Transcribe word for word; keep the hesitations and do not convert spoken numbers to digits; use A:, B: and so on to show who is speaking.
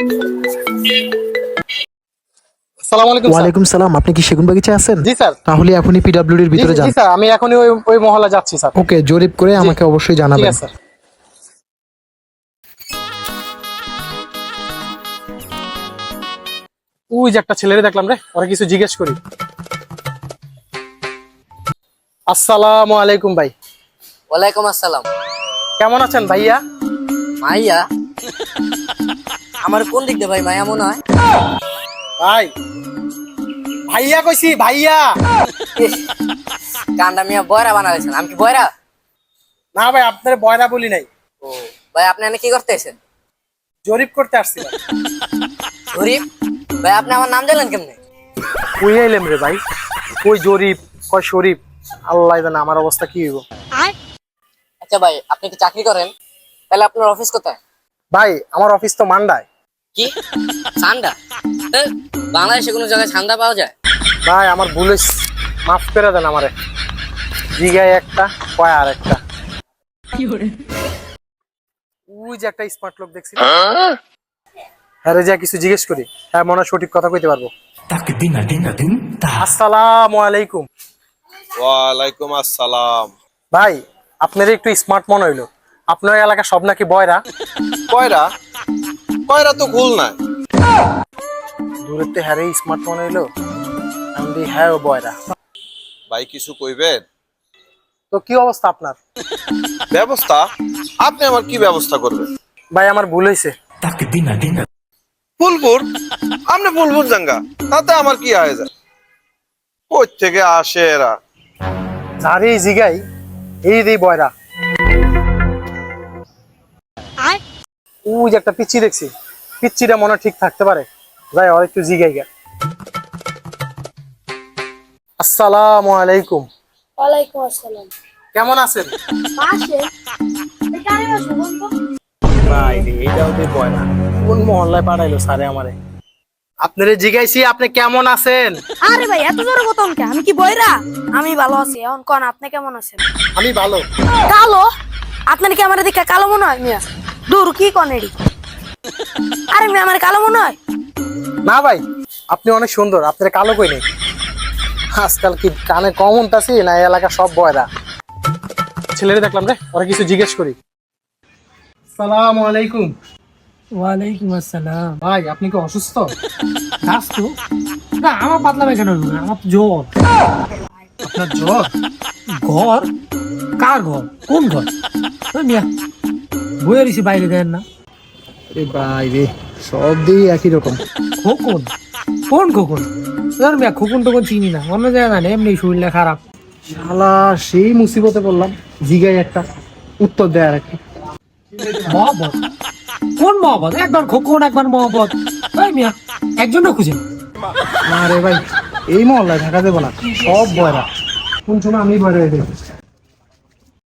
A: আসসালামু আলাইকুম স্যার।
B: ওয়ালাইকুম সালাম। আপনি কি সেগুন বাগিচায় আছেন?
A: জি স্যার।
B: তাহলে এখনই পিডব্লিউডির
A: জি
B: ভিতরে
A: জি
B: যান।
A: স্যার, আমি এখনই ওই ওই মহল্লা যাচ্ছি স্যার।
B: ওকে, জরিপ করে
A: জি।
B: আমাকে অবশ্যই
A: ঠিক
B: জানাবেন।
A: আছে স্যার। ওই যে একটা ছেলেরে দেখলাম রে, ওরা কিছু জিজ্ঞেস করি। আসসালামু আলাইকুম ভাই।
C: ওয়ালাইকুম আসসালাম।
A: কেমন আছেন ভাইয়া?
C: মাইয়া? আমার কোন দিক দিয়ে ভাই মাইয়া মনে হয়?
A: ভাই ভাইয়া কইছি ভাইয়া।
C: ইস, কান্ডা মিয়া বয়রা বানাইছেন। আমি কি বয়রা?
A: না ভাই, আপনার বয়রা বলি নাই,
C: ও ভাই, আপনি এনে কি করতেছেন?
A: জরিপ করতে আসছিলাম।
C: শরীফ ভাই, আপনি আমার নাম জানেন কেমনে?
A: কই আইলেম রে ভাই? কই জরিপ, কই শরীফ, আল্লাহ জানে আমার অবস্থা কি হইব।
C: আচ্ছা ভাই, আপনি কি চাকরি করেন? তাহলে আপনার অফিস কোথায়?
A: ভাই আমার অফিস তো মান্ডায়।
C: কি সান্ডা? এ, বাংলাদেশে কোনো জায়গায় সান্ডা পাওয়া যায়?
A: ভাই আমার ভুল হইছে, মাফ করে দেন আমারে। জিগায় একটা, কয় আর একটা। ওই যে একটা স্মার্ট লোক দেখছি, হ্যাঁ রে, যা কিছু জিজ্ঞেস করি, হ্যাঁ মনে হয় সঠিক কথা কইতে পারবো। আসসালামু আলাইকুম।
D: ওয়ালাইকুম আসসালাম।
A: ভাই আপনার একটু স্মার্ট মনে হইলো, আপনার এলাকা সব নাকি বয়রা।
D: কয়রা? কয়রা তো ভুল নাই।
A: দূরের তে হ্যারে স্মার্ট মনে হইলো, আমি বলি, হ্যাঁ ও বয়রা।
D: ভাই কিছু কইবেন?
A: তো কি অবস্থা আপনার?
D: ব্যবস্থা? আপনি আমার কি ব্যবস্থা করবেন?
A: ভাই আমার ভুল হয়েছে।
D: ফুলপুর? আপনি ফুলপুর জাঙ্গা, তাতে আমার কি আয় যায়? কই থেকে আসে এরা?
A: যারে জিগাই এই রে বয়রা। ওই যে একটা পিচ্ছি দেখছি, পিচ্ছিটা মনে হয় ঠিক থাকতে পারে, যাই আর একটু জিগাই গা। আসসালামু আলাইকুম।
E: ওয়ালাইকুম আসসালাম।
A: কেমন আছেন?
E: পাশে এখানে বসো বন্ধু।
A: ভাই রে, এইটাও তো বয়রা, কোন মহল্লায় পাঠাইলো স্যারে আমারে। আপনারে জিগাইছি আপনি কেমন আছেন।
E: আরে ভাই, এত জোরে কথা কে? আমি কি বইরা? আমি ভালো আছি। এখন কোন আপনি কেমন আছেন?
A: আমি ভালো।
E: কালো? আপনার কি আমার দিকে কালো মনে হয় মিয়া? দূর কি কনেডি? আরে মিয়া, আমার কালো মনে হয়?
A: না ভাই, আপনি অনেক সুন্দর, আপনার কালো কই নেই। আজকাল কি কানে কম উনতাছি না, এই এলাকা সব বয়রা। ছেলেরে দেখলাম রে, ওরা কিছু জিজ্ঞেস করি। সালাম আলাইকুম।
F: ওয়ালাইকুম আসসালাম।
A: ভাই আপনি কি অসুস্থ?
F: দাস তো না, আমার পাতলা পায়খানা হলো না, আমার তো জ্বর।
A: আপনার জ্বর?
F: ঘর? কার ঘর? কোন ঘর? ওই মিয়া বইয়ে রয়েছি, বাইরে দেন না।
B: এ ভাই রে, সব দিয়ে একই রকম।
F: খোকন? কোন খোকন? ধর মিয়া, খোকন টোকন চিনি না, অন্য জায়গা না, এমনি শরীরটা খারাপ।
A: শালা সেই মুসিবতে পড়লাম, জিগাই একটা, উত্তর দেয় আর একটা।
F: মহব্বত? কোন মহব্বত? একবার খোকন, একবার মহব্বত। ওই মিয়া একজনও খুঁজে।
A: না রে ভাই, এই মহল্লায় থাকা দেবো না, সব বয়রা। কোন সময় আমি বয়রা হয়ে গেছি।